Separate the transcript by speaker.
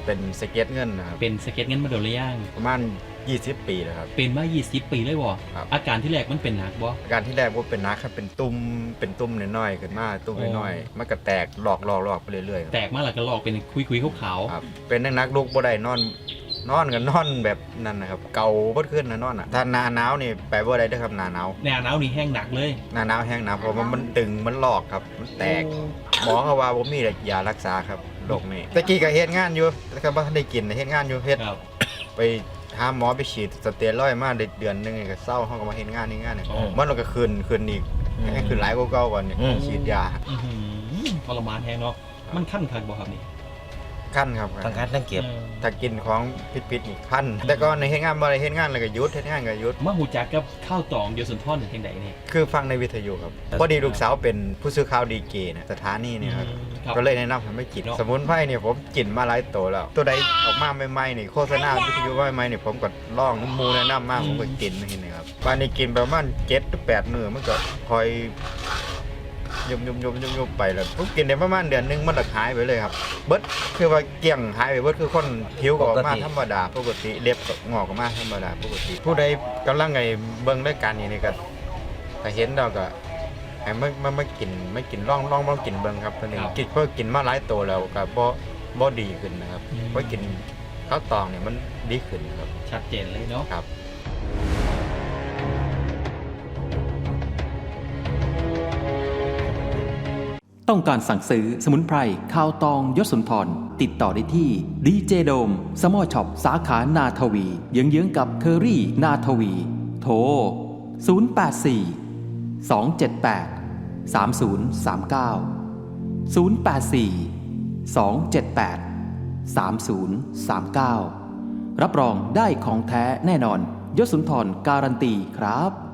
Speaker 1: เป็นสเก็ตเงินนะครับ
Speaker 2: เป็นสเก็ตเงินมาโดนหรือยัง
Speaker 1: ประมาณ20 ปีแล้วครับ
Speaker 2: เป็นมา20 ปีเลยบ่อาการที่แรกมันเป็นหนักบ่
Speaker 1: อาการที่แรกว่าเป็นนักครับเป็นตุ้มน้อยๆขึ้นมาตุ้มน้อยๆมันก็แตกหลอกไปเรื่อยๆ
Speaker 2: แตกมาแล้วก็ลอกเป็นคุยๆขาว
Speaker 1: ๆครับเป็นนักลุกบ่ได้นอนกันนอนแบบนั้นนะครับเกาบ่ขึ้นนะนอนอ่ะถ้าหน้าหนาวนี่ไปบ่ได้เด้อครับหน้าหนาว
Speaker 2: นี่แห้งหนักเลย
Speaker 1: หน้าหนาวแห้งหนาวเพราะมันตึงมันหลอกครับมันแตกหมอเขาว่าบ่มียารักษาครับโรคนี้ตะกี้ก็เฮ็ดงานอยู่แล้วก็บ่ทันได้กินเฮ็ดงานอยู่เฮ็ดไปหาหมอไปฉีดสเตียรอยด์มาเดือนนึงก็เศร้าเฮาก็มาเฮ็ดงานเนี่ยมันก็คืนอีกให้คืนหลายกว่าเก่าก่อนนี่ฉีดยา
Speaker 2: ทรมานแฮงเนาะมันคั่นคักบ่ครับนี่
Speaker 1: ขั้นครับ
Speaker 3: ทั้งคันทั้งเก็บ
Speaker 1: ถ้ากินของพิษนี่ขั้นแต่ก็ในเฮ็ดงานบ่ได้เฮ็ดงานแล้วก็หยุดเฮ็ดงานก็หยุด
Speaker 2: มาฮู้จักกับข้าวตองเดียวสุนทรจังได๋นี่
Speaker 1: คือฟังในวิทยุครับพอดีลูกสาวเป็นผู้สื่อข่าวดีเกนะสถานีนี่ครับก็เลยแนะนำให้ไม่กินสมุนไพรเนี่ยผมกินมาหลายตัวแล้วตัวใดออกมาใหม่ๆนี่โฆษณาวิทยุใหม่ๆนี่ผมก็ลองน้ำมูแนะนำมากผมก็กินนี่ครับวันนี้กินประมาณ7 หรือ 8 มื้อมันก็คอยยุบไปแล้วผมกินได้ประมาณเดือนนึงมันหายไปเลยครับเบิดคือว่าเกี่ยงหายไปเบิดคือคนผิวก็ออกมาธรรมดาปกติเล็บก็งอกออกมาธรรมดาปกติผู้ใดกำลังไงเบิ่งรายการนี้นี่ก็ถ้าเห็นเราก็ให้ไม่กินลองกินเบิ่งครับตอนนี้กินเพราะกินมาหลายตัวแล้วก็บ่ดีขึ้นนะครับเพราะกินข้าวตองเนี่ยมันดีขึ้นครับ
Speaker 2: ชัดเจนเลยเนาะ
Speaker 1: ครับ
Speaker 4: ต้องการสั่งซื้อสมุนไพรข้าวตองยศสุนทรติดต่อได้ที่ดีเจโดมสมอช็อปสาขานาทวีเยื้องๆกับเคอรี่นาทวีโทร084 278 3039 084 278 3039รับรองได้ของแท้แน่นอนยศสุนทรการันตีครับ